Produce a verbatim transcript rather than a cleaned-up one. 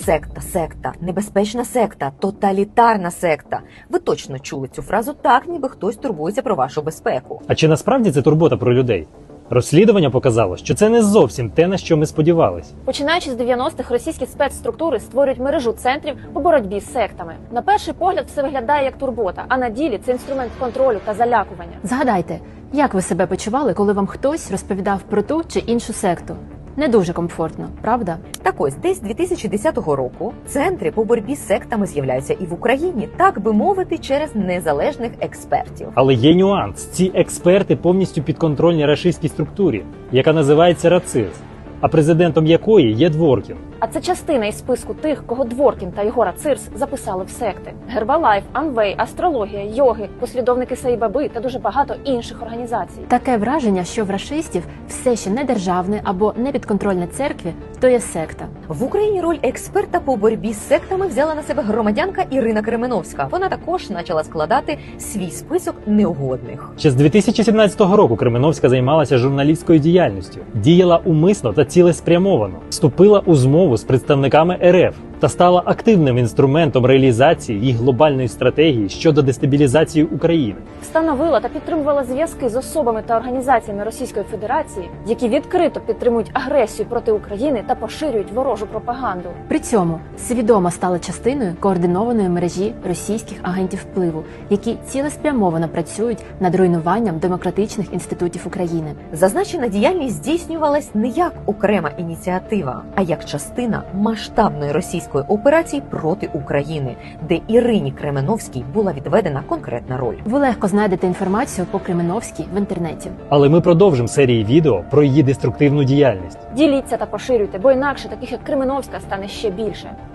Секта, секта, небезпечна секта, тоталітарна секта. Ви точно чули цю фразу так, ніби хтось турбується про вашу безпеку. А чи насправді це турбота про людей? Розслідування показало, що це не зовсім те, на що ми сподівались. Починаючи з дев'яностих, російські спецструктури створюють мережу центрів по боротьбі з сектами. На перший погляд все виглядає як турбота, а на ділі це інструмент контролю та залякування. Згадайте, як ви себе почували, коли вам хтось розповідав про ту чи іншу секту? Не дуже комфортно, правда? Так ось, десь з дві тисячі десятого року центри по боротьбі з сектами з'являються і в Україні, так би мовити, через незалежних експертів. Але є нюанс. Ці експерти повністю підконтрольні рашистській структурі, яка називається РАЦИС, а президентом якої є Дворкін. А це частина із списку тих, кого Дворкін та його Рацирс записали в секти. Гербалайф, Амвей, Астрологія, йоги, послідовники Саїбаби та дуже багато інших організацій. Таке враження, що в рашистів все ще не державне або не підконтрольне церкві, то є секта. В Україні роль експерта по боротьбі з сектами взяла на себе громадянка Ірина Кременовська. Вона також почала складати свій список неугодних. Ще з дві тисячі сімнадцятого року Кременовська займалася журналістською діяльністю, діяла умисно та цілеспрямовано, вступила у змову з представниками РФ та стала активним інструментом реалізації їх глобальної стратегії щодо дестабілізації України. Встановила та підтримувала зв'язки з особами та організаціями Російської Федерації, які відкрито підтримують агресію проти України та поширюють ворожу пропаганду. При цьому свідомо стала частиною координованої мережі російських агентів впливу, які цілеспрямовано працюють над руйнуванням демократичних інститутів України. Зазначена діяльність здійснювалась не як окрема ініціатива, а як частина масштабної російської операції проти України, де Ірині Кременовській була відведена конкретна роль. Ви легко знайдете інформацію по Кременовській в інтернеті. Але ми продовжимо серії відео про її деструктивну діяльність. Діліться та поширюйте, бо інакше таких як Кременовська стане ще більше.